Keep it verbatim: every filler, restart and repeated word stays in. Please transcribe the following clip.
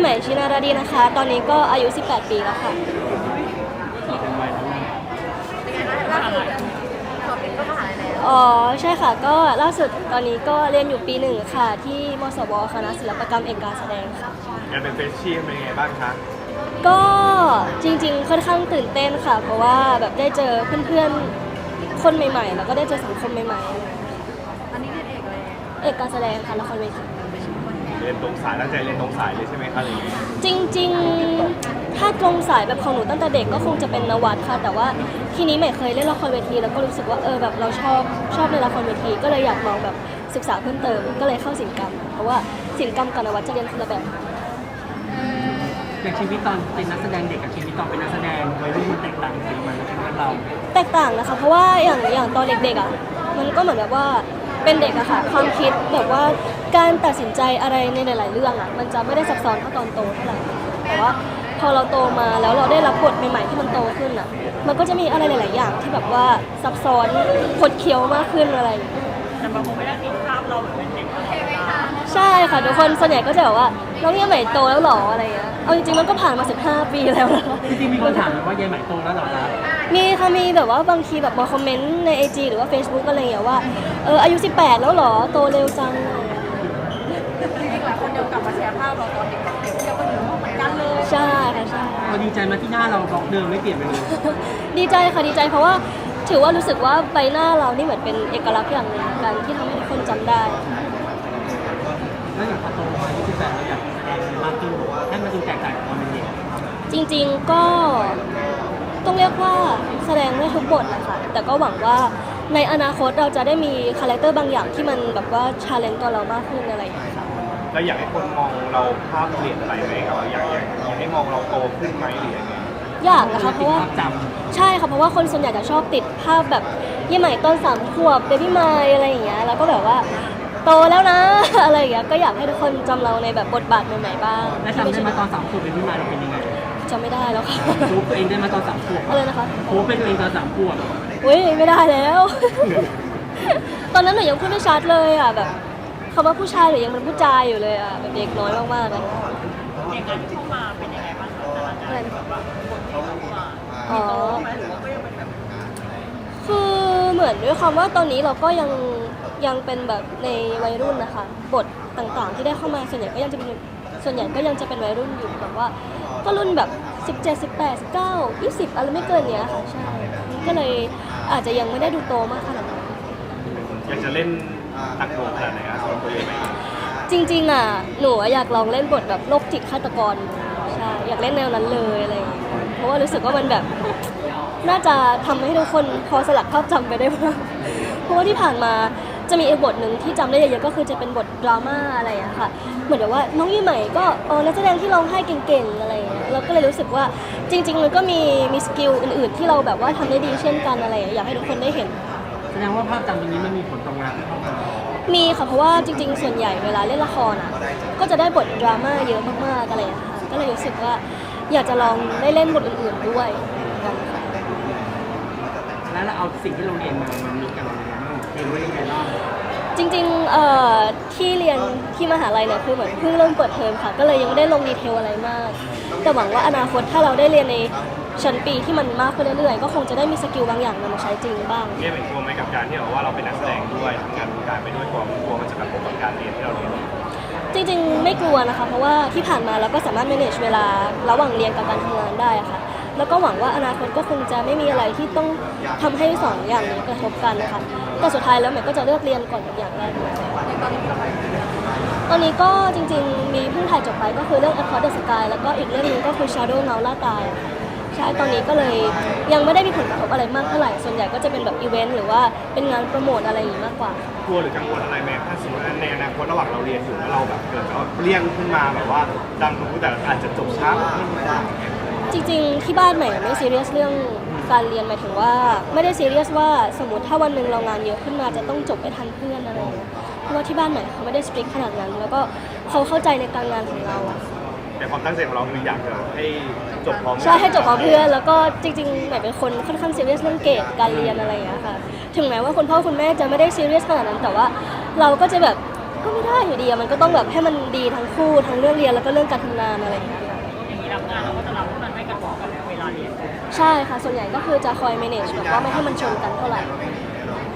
หม่ชินาราดีนะคะตอนนี้ก็อายุสิบแปดปีแล้วค่ะอ๋อใช่ค่ะก็ล่าสุดตอนนี้ก็เรียนอยู่ปีหนึ่งค่ะที่มศวคณะศิลปกรรมเอกการแสดงค่ะการเป็นเฟรชชี่เป็นยังไงบ้างคะก็จริงๆค่อนข้างตื่นเต้นค่ะเพราะว่าแบบได้เจอเพื่อนๆคนใหม่ๆแล้วก็ได้เจอสังคมใหม่ๆอันนี้เรียนเอกอะไรเอกการแสดงค่ะละครเวทีเรียนตรงสายตั้งใจเรียนตรงสายเลยใช่ไหมคะหรือจริงๆถ้าตรงสายแบบของหนูตั้งแต่เด็กก็คงจะเป็นนวัดค่ะแต่ว่าทีนี้ใหม่เคยเล่นละครเวทีแล้วก็รู้สึกว่าเออแบบเราชอบชอบในละครเวทีก็เลยอยากลองแบบศึกษาเพิ่มเติมก็เลยเข้าศิลปกรรมเพราะว่าศิลปกรรมกับนวัดจะเรียนคนละแบบอย่างชีวิตตอนเป็นนักแสดงเด็กกับชีวิตตอนเป็นนักแสดงวัยรุ่นมันแตกต่างกันไหมในชีวิตเราแตกต่างนะคะเพราะว่าอย่างอย่างตอนเด็กๆอ่ะมันก็เหมือนแบบว่าเป็นเด็กอะค่ะความคิดแบบว่าการตัดสินใจอะไรในหลายๆเรื่องอะมันจะไม่ได้ซับซ้อนเท่าตอนโตเท่าไหร่แต่ว่าพอเราโตมาแล้วเราได้รับบทใหม่ๆที่มันโตขึ้นอะมันก็จะมีอะไรหลายๆอย่างที่แบบว่าซับซ้อนคดเคี้ยวมากขึ้นอะไรแต่บางคนไม่ได้ติดภาพเราแบบเป็นเด็กใช่ค่ะทุกคนส่วนใหญ่ก็จะแบบว่าน้องยายใหม่โตแล้วหรออะไรเงี้ยเอาจริงๆมันก็ผ่านมาสิบห้าปีแล้วจริงๆมีคนถามว่ายายใหม่โตแล้วหรอครับมีค่ะมีแบบว่าบางทีแบบมาคอมเมนต์ใน ไอ จี หรือว่า Facebook อะไรอย่างเงี้ยว่าเอออายุสิบแปดแล้วหรอโตเร็วจังจริงๆหลายคนยังกลับมาแชร์ภาพเราตอนเด็กๆเที่ยวกันอยู่เหมือนกันเลยใช่ค่ะใช่เราดีใจมาที่หน้าเราบล็อกเดิมไม่เปลี่ยนไปเลยดีใจค่ะดีใจเพราะว่าถือว่ารู้สึกว่าใบหน้าเรานี่เหมือนเป็นเอกลักษณ์อย่างหนึ่งกันที่ทำให้ทุกคนจำได้แล้วอย่างพอโตมาอายุสิบแปดเราอยากแสดงมากขึ้นให้มันดูแตกต่างจากตอนเป็นเด็กจริงๆก็ต้องเรียกว่าแสดงได้ทุกบทนะคะแต่ก็หวังว่าในอนาคตเราจะได้มีคาแรคเตอร์บางอย่างที่มันแบบว่าชาเลนจ์ตัวเรามากขึ้นอะไรอย่างเงี้ยค่ะเราอยากให้คนมองเราภาพเปลี่ยนไปไหมครับอยากอยากอยากให้มองเราโตขึ้นไหมหรือยังไงอยากนะคะเพราะว่าใช่ค่ะเพราะว่าคนส่วนใหญ่จะชอบติดภาพแบบยี่ใหม่ต้นสามขวบเบบี้ไมล์อะไรอย่างเงี้ยแล้วก็แบบว่าโตแล้วนะอะไรอย่างเงี้ยก็อยากให้ทุกคนจำเราในแบบบทบาทใหม่ๆบ้างและจำได้มาตอนสามขวบเป็นพี่มาเราเป็นยังไงจำไม่ได้แล้วค่ะรู้ตัวเองได้มาตอนสามขวบอะไรนะคะรู้เป็นตัวเองตอนสามขวบอุ้ยไม่ได้แล้วตอนนั้นหนูยังพูดไม่ชัดเลยอ่ะแบบคำว่าผู้ชายหนูยังเป็นผู้ชายอยู่เลยอ่ะแบบเด็กน้อยมากๆเลยเด็กนั้นเข้ามาเป็นยังไงบ้างอะไรแบบว่าคนที่เข้ามาอ๋อคือเหมือนด้วยความว่าตอนนี้เราก็ยังยังเป็นแบบในวัยรุ่นนะคะบทต่างๆที่ได้เข้ามาส่วนใหญ่ก็ยังจะเป็นส่วนใหญ่ก็ยังจะเป็นวัยรุ่นอยู่แบบว่าก็รุ่นแบบสิบเจ็ด สิบแปด สิบเก้า ยี่สิบอะไรไม่เกินเนี้ยค่ะใช่ก็เลยอาจจะยังไม่ได้ดูโตมากขนาดนั้นอยากจะเล่นตักโดขนาดไหนครับสำหรับตัวเองไหมจริงๆอ่ะหนูอยากลองเล่นบทแบบโรคจิตฆาตกรใช่อยากเล่นแนวนั้นเลยอะไรอย่างเงี้ยเพราะว่ารู้สึกว่ามันแบบน่าจะทำให้ทุกคนพอสลัดภาพจำไปได้บ้างเพราะว่าที่ผ่านมาจะมีอีกบทหนึ่งที่จำได้เยอะๆก็คือจะเป็นบทดราม่าอะไรอะค่ะเหมือนแบบว่าน้องยี่ใหม่ก็เออนักแสดงที่ร้องไห้เก่งๆอะไรอย่างเงี้ยเราก็เลยรู้สึกว่าจริงๆมันก็มีมีสกิลอื่นๆที่เราแบบว่าทำได้ดีเช่นกันอะไรอยากให้ทุกคนได้เห็นแสดงว่าภาพจำตรงนี้มันมีผลต่องานที่เข้ามามีค่ะเพราะว่าจริงๆส่วนใหญ่เวลาเล่นละครอะก็จะได้บทดราม่าเยอะมากๆอะไรอย่างเงี้ยค่ะก็เลยรู้สึกว่าอยากจะลองได้เล่นบทอื่นๆด้วยกันค่ะแล้วเราเอาสิ่งที่เราเรียนมามันมีกันเรียนไว้ยังไงบ้างจริงๆเอ่อที่เรียนที่มหาลัยเนี่ยคือเหมือนเพิ่งเริ่มเปิดเทอมค่ะก็เลยยังไม่ได้ลงดีเทลอะไรมากแต่หวังว่าอนาคตถ้าเราได้เรียนในชั้นปีที่มันมากขึ้นเรื่อยๆก็คงจะได้มีสกิลบางอย่างนำมาใช้จริงบ้างเนี่ยเป็นตัวไหมกับการที่เราว่าเราเป็นนักแสดงด้วยทำงานวงการไปด้วยกลัวกลัวมันจะกระทบกับการเรียนที่เราเรียนจริงๆไม่กลัวนะคะเพราะว่าที่ผ่านมาเราก็สามารถ manage เวลาระหว่างเรียนกับการทำงานได้ค่ะแล้วก็หวังว่าอนาคตก็คงจะไม่มีอะไรที่ต้องทำให้สองอย่างนี้กระทบกันนะคะแต่สุดท้ายแล้วใหม่ก็จะเลือกเรียนก่อนอย่างแรกตอนนี้ก็จริงๆมีเพิ่งถ่ายจบไปก็คือเรื่อง Across the Sky แล้วก็อีกเรื่องนึงก็คือ Shadow เงาล่าตายใช่ตอนนี้ก็เลยยังไม่ได้มีผลกระทบอะไรมากเท่าไหร่ส่วนใหญ่ก็จะเป็นแบบอีเวนต์หรือว่าเป็นงานโปรโมทอะไรอย่างนี้มากกว่ากลัวหรือกังวลอะไรไหมถ้าสมมติในอนาคตระหว่างเราเรียนอยู่แล้วเราแบบเกิดแบบเปรี้ยงขึ้นมาแบบว่าดังรู้แต่อาจจะจบช้าไม่ได้จริงๆที่บ้านใหม่ไม่ซีเรียสเรื่องการเรียนหมายถึงว่าไม่ได้ซีเรียสว่าสมมติถ้าวันหนึ่งเรางานเยอะขึ้นมาจะต้องจบไปทันเพื่อนอะไรอย่างเงี้ยเพราะว่าที่บ้านใหม่เขาไม่ได้สตริกขนาดนั้นแล้วก็เขาเข้าใจในการงานของเราอะแต่ความตั้งใจของเราคืออยากจะให้จบพร้อมใช่ให้จบพร้อมเพื่อนแล้วก็จริงๆใหม่เป็นคนค่อนข้างซีเรียสเรื่องเกรดการเรียนอะไรอย่างเงี้ยค่ะถึงแม้ว่าคุณพ่อคุณแม่จะไม่ได้ซีเรียสขนาดนั้นแต่ว่าเราก็จะแบบก็ไม่ได้อยู่ดีอะมันก็ต้องแบบให้มันดีทั้งคู่ทั้งเรื่องเรียนแล้วก็เรื่องการทำงานอะไรอย่างเงี้ยค่ะอย่างนี้รับงานเราก็จะรับให้มันไม่กระทบกับเวลาเรียนใช่ค่ะส่วนใหญ่ก็คือจะคอย manage แบบว่าไม่ให้มันชนกันเท่าไหร่